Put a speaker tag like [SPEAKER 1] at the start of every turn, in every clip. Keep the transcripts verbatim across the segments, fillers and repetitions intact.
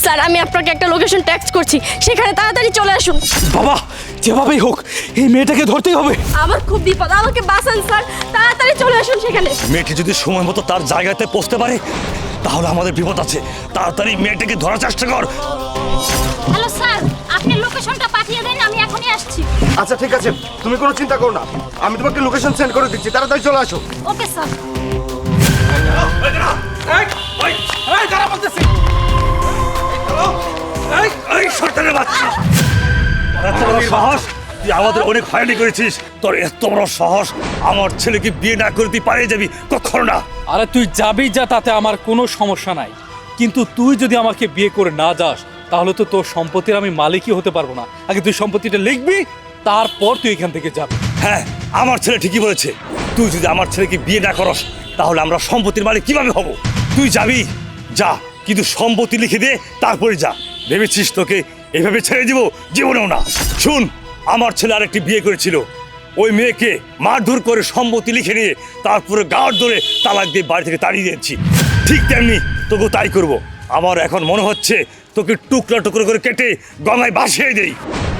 [SPEAKER 1] Sir আমি আপনাকে একটা লোকেশন টেক্সট করছি, সেখানে তাড়াতাড়ি চলে আসুন।
[SPEAKER 2] বাবা যেভাবেই হোক এই মেয়েটাকে ধরতেই হবে।
[SPEAKER 1] আমার খুব বিপদ, আমাকে বাঁচান স্যার, তাড়াতাড়ি চলে আসুন সেখানে।
[SPEAKER 3] মেয়েটি যদি সময় মতো তার জায়গাতে পৌঁছতে পারে তাহলে আমাদের বিপদ আছে। তাড়াতাড়ি মেয়েটাকে ধরার চেষ্টা কর।
[SPEAKER 4] হ্যালো স্যার, আপনি লোকেশনটা পাঠিয়ে দেন, আমি এখনই আসছি।
[SPEAKER 5] আচ্ছা ঠিক আছে, তুমি কোনো চিন্তা করো না, আমি তোমাকে লোকেশন সেন্ড করে দিচ্ছি, তাড়াতাড়ি চলে আসো।
[SPEAKER 4] Okay sir.
[SPEAKER 3] এই শয়তানের বাচ্চা, তোর এত বড় সাহস! তুই আমাদের অনেক হয়রানি করেছিস। তোর এত বড় সাহস, আমার ছেলেকে বিয়ে না করে তুই পালিয়ে যাবি? কখনো না।
[SPEAKER 2] আরে তুই যাবি যা, তাতে আমার কোনো সমস্যা নাই, কিন্তু তুই যদি আমাকে বিয়ে করে না যাস তাহলে তো তোর সম্পত্তির আমি মালিকই হতে পারবো না। আগে তুই সম্পত্তিটা লিখবি, তারপর তুই এখান থেকে যাবি।
[SPEAKER 3] হ্যাঁ, আমার ছেলে ঠিকই বলেছে। তুই যদি আমার ছেলেকে বিয়ে না করস তাহলে আমরা সম্পত্তির মালিক কিভাবে হব? তুই যাবি যা, কিন্তু সম্পত্তি লিখে দে, তারপরে যা। ভেবেছিস তোকে এভাবে ছেড়ে দিব? জীবনেও না। শুন, আমার ছেলে আরেকটি বিয়ে করেছিল, ওই মেয়েকে মারধর করে সম্পত্তি লিখে নিয়ে তারপরে গাড় ধরে তালাক দিয়ে বাড়ি থেকে তাড়িয়ে দিয়েছি। ঠিক তেমনি তোকেও তাই করব। আমার এখন মনে হচ্ছে তোকে টুকরা টুকরো করে কেটে গঙ্গায় ভাসিয়ে দেই।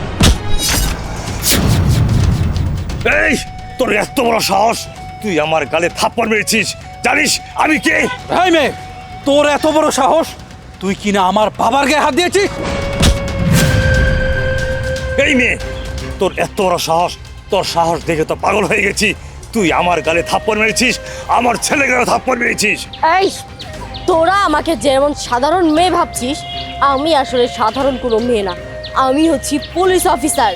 [SPEAKER 3] এই তোর এত বড় সাহস, তুই আমার গালে থাপ্পড় মেরেছিস। জানিস আমি কে?
[SPEAKER 2] এই মেয়ে, তোর এত বড় সাহস, তুই কিনা আমার বাবার গায়ে হাত দিয়েছিস?
[SPEAKER 3] এই মেয়ে, তোর এত বড় সাহস, তোর সাহস দেখে তো পাগল হয়ে গেছি। তুই আমার গালে থাপ্পড় মেরেছিস, আমার ছেলে গালে থাপ্পড় মেরেছিস।
[SPEAKER 1] এই তোরা আমাকে যেমন সাধারণ মেয়ে ভাবছিস, আমি আসলে সাধারণ কোনো মেয়ে না, আমি হচ্ছি পুলিশ অফিসার।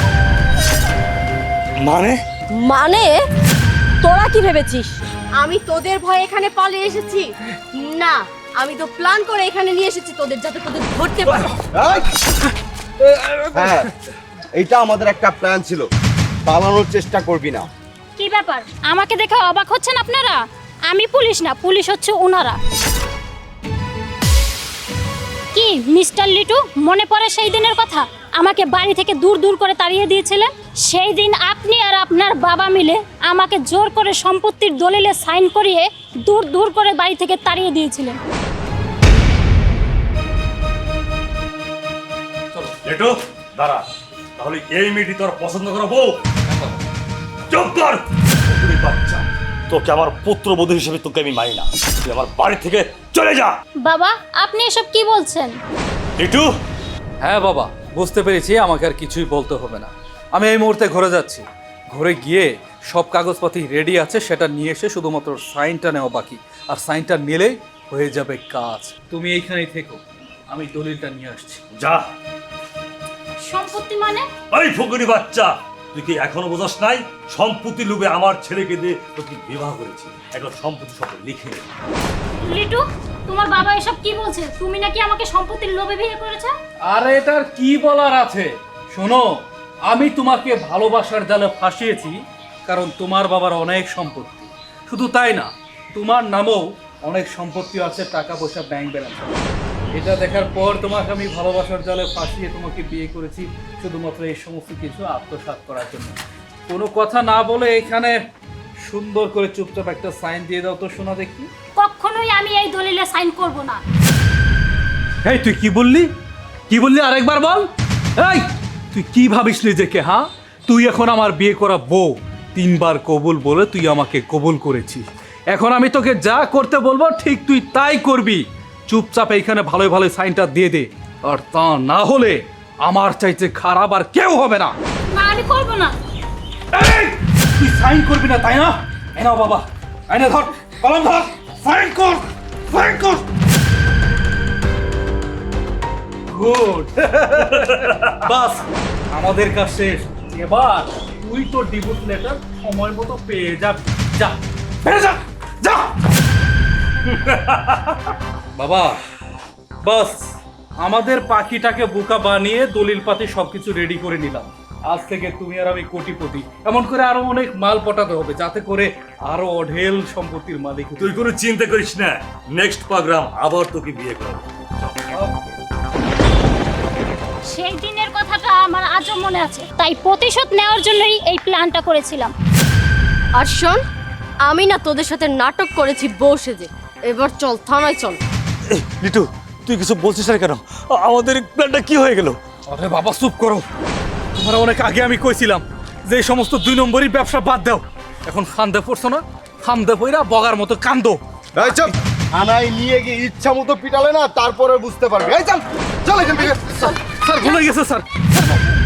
[SPEAKER 3] মানে?
[SPEAKER 1] মানে তোরা কি ভেবেছিস আমি তোদের ভয়ে এখানে পালিয়ে এসেছি? না, আমি তো প্ল্যান করে এখানে নিয়ে এসেছি তোদের, যাতে তোদের ধরতে পারে।
[SPEAKER 5] হ্যাঁ, এইটা আমাদের একটা প্ল্যান ছিল, পালানোর চেষ্টা করবি না।
[SPEAKER 4] কি ব্যাপার, আমাকে দেখে অবাক হচ্ছেন আপনারা? আমি পুলিশ না, পুলিশ হচ্ছে ওনারা। কি মিস্টার লিটু, মনে পড়ে সেই দিনের কথা? আমাকে বাড়ি থেকে দূর দূর করে তাড়িয়ে দিয়েছিলেন। সেই দিন আপনি আর আপনার বাবা মিলে আমাকে জোর করে সম্পত্তির দলিলে সাইন করিয়ে দূর দূর করে বাড়ি থেকে তাড়িয়ে দিয়েছিলেন।
[SPEAKER 3] লেটো দাঁড়া, তাহলে এই মেয়েটি তোর পছন্দ করা বউ? চুপ কর কুকুরের বাচ্চা, তোকে আমার পুত্রবধূ হিসেবে তোকে আমি মানি না। তুই আমার বাড়ি থেকে চলে যা।
[SPEAKER 4] বাবা, আপনি এসব কি বলছেন?
[SPEAKER 3] লিটু,
[SPEAKER 2] হ্যাঁ বাবা, বুঝতে পেরেছি, আমাকে আর কিছুই বলতে হবে না। আমি এই মুহূর্তে ঘরে যাচ্ছি, ঘরে গিয়ে সব কাগজপাতি রেডি আছে, সেটা নিয়ে এসে শুধুমাত্র সাইনটা নেওয়া বাকি, আর সাইনটা নিলেই হয়ে যাবে কাজ। তুমি এইখানেই থেকো, আমি দলিলটা নিয়ে আসছি।
[SPEAKER 3] যা।
[SPEAKER 4] সম্পত্তি মানে?
[SPEAKER 3] ওই ফুকুরি বাচ্চা, তুই কি এখনো বোঝাস নাই? সম্পত্তি লোভে আমার ছেলেকে দিয়ে তোকে বিবাহ করেছি, এখন সম্পত্তি সব লিখে নে।
[SPEAKER 4] লিটু, তোমার বাবা এসব কি বলছে? তুমি নাকি আমাকে সম্পত্তির লোভে বিয়ে করেছো?
[SPEAKER 2] আর এটার কি বলার আছে? শোনো, আমি তোমাকে ভালোবাসার জালে ফাঁসিয়েছি, কারণ তোমার বাবার অনেক সম্পত্তি। শুধু তাই না, তোমার নামেও অনেক সম্পত্তি আছে, টাকা পয়সা ব্যাংক ব্যালেন্স। এটা দেখার পর তোমাকে আমি ভালোবাসার জালে ফাঁসিয়ে তোমাকে বিয়ে করেছি শুধুমাত্র এই সমস্ত কিছু আত্মসাৎ করার জন্য। কোনো কথা না বলে এখানে সুন্দর করে চুপচাপ একটা সাইন দিয়ে দাও তো, শোনা দেখি।
[SPEAKER 4] কখনোই আমি এই দলিলে সাইন করব না।
[SPEAKER 2] এই তুই কি বললি? কি বললি আরেকবার বল। এই তুই কি ভাবিস নিজেকে? হ্যাঁ, তুই এখন আমার বিয়ে করা বউ, তিনবার কবুল বলে তুই আমাকে কবুল করেছিস। এখন আমি তোকে যা করতে বলবো ঠিক তুই তাই করবি। চুপচাপ এইখানে ভালোই ভালোই সাইনটা দিয়ে দে, আর তা না হলে আমার চাইতে খারাপ আর কেউ হবে না।
[SPEAKER 4] না, আমি করব না।
[SPEAKER 2] এই তুই সাইন করবি না তাই না? এই নাও বাবা, আইনে ধর, কলম ধর, সাইন কর, সাইন কর। গুড। বাস, আমাদের কাজ শেষ। এবার তুই তোর ডিভোর্স লেটার সময় মতো পেয়ে যাবি। যা, পেয়ে যা, যা। বাবা, বাস আমাদের পাখিটাকে বোকা বানিয়ে দলিল পাতি সবকিছু রেডি করে নিলাম। আজ থেকে তুমি আর আমি কোটিপতি, এমন করে আরো অনেক মাল পটাতে হবে, যাতে করে আরো অঢেল সম্পত্তির মালিক।
[SPEAKER 3] তুই কোনো চিন্তা করিস না, নেক্সট প্রোগ্রাম আবার তোকে বিয়ে করবো।
[SPEAKER 4] সেই দিনের কথাটা আমার আজও মনে আছে, তাই প্রতিশোধ নেওয়ার জন্যই এই প্ল্যানটা করেছিলাম।
[SPEAKER 1] আর শোন, আমি না তোদের সাথে নাটক করেছি বউ সেজে, এবার চল থানায় চল।
[SPEAKER 3] লিটু, তুই কিছু বলছিস না কেন আ- আমাদের প্ল্যানটা কি হয়ে গেল?
[SPEAKER 2] আরে বাবা চুপ করো, তোমরা অনেক আগে আমি কইছিলাম যে এই সমস্ত দুই নম্বরই ব্যবসা বাদ দাও। এখন ফান্দে পড়ছো না, ফান্দে পইরা বগার মতো কান্দো।
[SPEAKER 5] এই চল, থানায় নিয়ে গিয়ে ইচ্ছা মতো পিটালে না তারপরে বুঝতে পারবি। এই চল চল এখান থেকে।
[SPEAKER 2] স্যার ভুলে গেছে স্যার।